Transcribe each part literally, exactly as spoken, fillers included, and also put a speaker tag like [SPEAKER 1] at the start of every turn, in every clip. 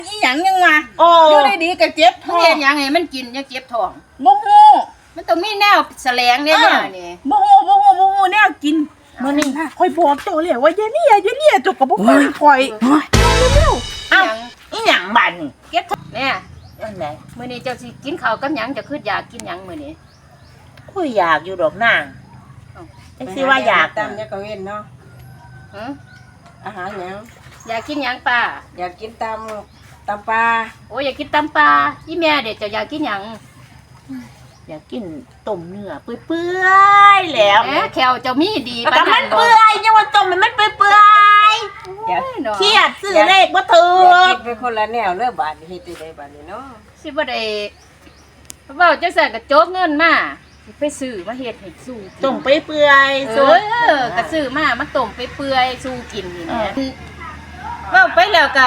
[SPEAKER 1] อีหยังยังมา
[SPEAKER 2] โอ้
[SPEAKER 1] อยู่ได้ดีก็เจ็บท้อง
[SPEAKER 3] เฮ็ดหยังให้มันกินยังเจ็บท้อง
[SPEAKER 1] บ่ฮู้
[SPEAKER 3] มันต้องมีแนวแสลงเนี่ยนี่
[SPEAKER 1] บ่ฮู้บ่ฮู้บ่ฮู้แนวกินมื้อนี้ค่อยบอกเจ้าแล้วว่าอย่าเนี่ยอย่าเนี่ยเจ้าก็บ่ฟังข่อย
[SPEAKER 2] เอ้าอีหยังบัดนี่
[SPEAKER 3] เก็บท้องเนี่ย
[SPEAKER 2] อันไหน
[SPEAKER 3] มื้อนี้เจ้าสิกินข้าวกับหยังจะคืออยากกินหยังมื้อนี้
[SPEAKER 2] คุยอยากอยู่ดอกนางจังสิว่าอยาก
[SPEAKER 4] ตามเนี่ยก็เว้นเนาะ
[SPEAKER 3] หึ
[SPEAKER 4] อาหารหยัง
[SPEAKER 3] อยากกินหยังป้า
[SPEAKER 4] อยากกินตำตำปลา
[SPEAKER 3] โอ้ยอยากกินตำปลาอีแม่เด็กเจ้าอยากกินหยัง
[SPEAKER 2] อยากกินต้มเนื้อเปื่อยๆแล้ว
[SPEAKER 3] แหมแขวเจ้ามีดี
[SPEAKER 2] แต่มันเปื่อยยังว่าต้มมันมันเปื่อย
[SPEAKER 4] อยาก
[SPEAKER 2] ๆเครียดซื้อเลขบ่ถู
[SPEAKER 4] อยาก
[SPEAKER 2] ก
[SPEAKER 4] กินเป็นคนละแนวเลือบาทนี่เฮ็ดได้บาทนี่เนาะ
[SPEAKER 3] สิบ่ได้เว้าจังซั่นก็โจกเงินมาสิไปซื้อมาเฮ็ดให้สู้กิน
[SPEAKER 2] ต้มเปื่อย
[SPEAKER 3] เอ
[SPEAKER 2] ๆสด
[SPEAKER 3] อก็ซื้อมามันต้มไปเปื่อยสู้กินนี่แหละเว้าไปแล้วก็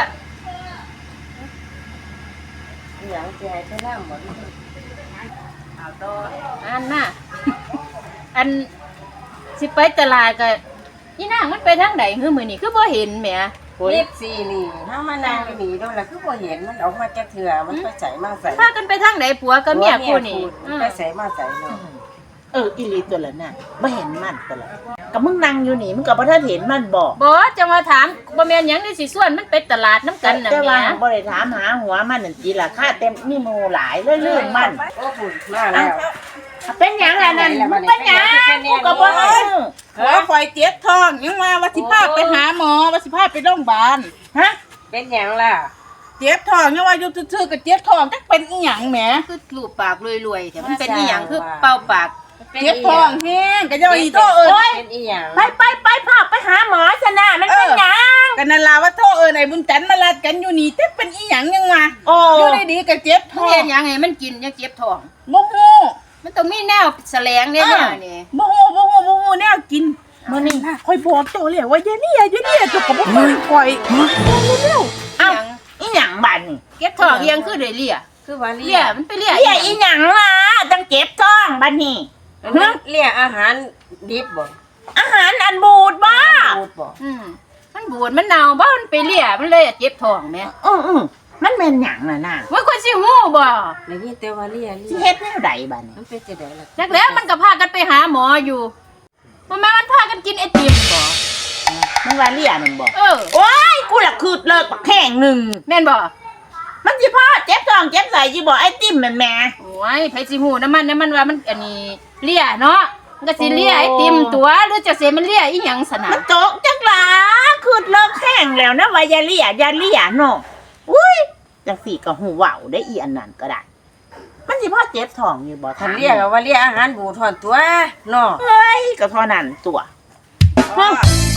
[SPEAKER 4] อหยังสิให้ไปนำบ่
[SPEAKER 3] เอาต่ออันน่ะ อันสิไปตลาดก็อีนางมันไปทางใดคือมื้อนี้คือบ่เห็นแหม
[SPEAKER 4] เฮ็ดสีนี่เฮามานั่งอยู่นี่โดนแล้วคือบ่เห็นมันออกมาจากเถื่อมันไปใส่มาใส่
[SPEAKER 3] พากันไปทางไหนผัวกับเมียคู่นี่
[SPEAKER 4] มันไปใส่มาใส่เนาะ
[SPEAKER 2] เอออีหลีตัวละน่ะบ่เห็นมันตัวละก็มึงนั่งอยู่นี่มึงก็บ่ทันเห็นมันบ่
[SPEAKER 3] บ่จะมาถามบ่แม่นหยังนี่สิส่วนมันไปตลาดน้ำกันน่ะ
[SPEAKER 2] แต่
[SPEAKER 3] แห
[SPEAKER 2] ว่า
[SPEAKER 3] ม่
[SPEAKER 2] บ่ได้ถามหาหัวมันนั่นจีล่ะค่าเต็มมีหมู่หลายเรื่อยๆมัน
[SPEAKER 4] โอ้ฝุ่นมาแล้ว
[SPEAKER 2] เป็นหยังล่ะนั่นมึงเป็นหยังกูก็บ่รู้
[SPEAKER 1] หัวข่อยเจ็บท้องยังว่าว่าสิพาไปหาหมอว่าสิพาไปโรงพยาบาล
[SPEAKER 2] ฮะ
[SPEAKER 4] เป็นหยังล่ะ
[SPEAKER 1] เจ็บท้องยังว่าอยู่ซื่อๆก็เจ็บท้องจักเป็นอีหยังแหม
[SPEAKER 3] คือรูปปากรวยๆแต่มันเป็นอีหยังคือเป่าปาก
[SPEAKER 1] เจ็บท้องแห้งก็จะอีโทษเอิ้น
[SPEAKER 4] เป็นอีหยัง
[SPEAKER 2] ไปไปไปพาไปหาหมอซะนะมันเป็นหยัง
[SPEAKER 1] กันนั่นล่ะว่าโทษเอิ้นไอ้บุญจันทร์มาลาดกันอยู่นี่จักเป็นอีหยังยังมา
[SPEAKER 2] โอ้
[SPEAKER 1] อยู่ได้ดีก็เจ็บ
[SPEAKER 3] มัน
[SPEAKER 1] ท้อ
[SPEAKER 3] เฮ็
[SPEAKER 1] ง
[SPEAKER 3] ดหยังให้มันกินยังเจ็บท้อง
[SPEAKER 1] บ่ฮู้
[SPEAKER 3] มันต้องมีแนวแสลงเนี่ยนี่
[SPEAKER 1] บ่ฮู้บ่ฮู้บ่ฮู้แนวกินมื้อนี้ค่อยบอกเจ้าแล้วว่าอย่าเนี่ยอย่าเนี่ยเจ้าก็บ่ฟังข่อยเร็ว
[SPEAKER 2] เอ้า
[SPEAKER 3] หยัง
[SPEAKER 2] อีหยังบัดนี่
[SPEAKER 3] เก็บท้องเอียงคือได้เลีย
[SPEAKER 4] คือว่าเลี้
[SPEAKER 3] เลี
[SPEAKER 4] ย
[SPEAKER 3] ยมันไปเลีย
[SPEAKER 2] เรียกอีหยังล่ะตั้งเจ็บท้องบัดนี้
[SPEAKER 4] เลี้ยอาหารดิบบ่
[SPEAKER 2] อาหารอันบูดบ่
[SPEAKER 4] พูดบ่
[SPEAKER 3] อืมมันบูดมันเน่าบ่มันไปเลียมันเลยเจ็บท้องแม่
[SPEAKER 2] อืออือมันแม่นหยังน่ะน่ะ
[SPEAKER 3] ว่าคนสิฮู้บ่
[SPEAKER 4] แล้วนี่แต่ว่าเลี้ย
[SPEAKER 2] สิ
[SPEAKER 4] เลี้ย
[SPEAKER 2] เฮ็ดแนวใดบัดนี้
[SPEAKER 4] มันเป็นจังได๋ล่ะ
[SPEAKER 3] จักแล้วมันก็พากันไปหาหมออยู่บ่แม่นมันพากันกินไอติมบ่
[SPEAKER 2] มึงว่าเรียนั่นบ่
[SPEAKER 3] เออ
[SPEAKER 2] โอ้ยกูละคืดเลิกบักแข้งหนึง
[SPEAKER 3] แม่นบ่
[SPEAKER 2] มันสิพอเจ็บท้องเจ็บไสสิบ่ไอ้ติ่มแม่นแม่
[SPEAKER 3] โอ้ยไผสิฮู้น้ำมันน้ำมันว่ามันอันนี้เลียเนาะมันก็สิเลียไอติมตัวหรือจะเสียมันเลียอีหยังสนะ
[SPEAKER 2] มันโจกจักหลาคืดเลิกแข้งแล้วนะว่าอย่าเลียอย่าเลียเนาะอุ้ยจังสี่ก็หูเว้าได้อีอันนั้นก็ได้ มันสิพอเจ็บท้องอยู่บ่
[SPEAKER 4] คันเลี้ยก็ว่าเลี้ยอาหารบูทอนตัวเนาะ
[SPEAKER 2] เฮ้ยก็เท่านั้นตัว
[SPEAKER 1] ๆ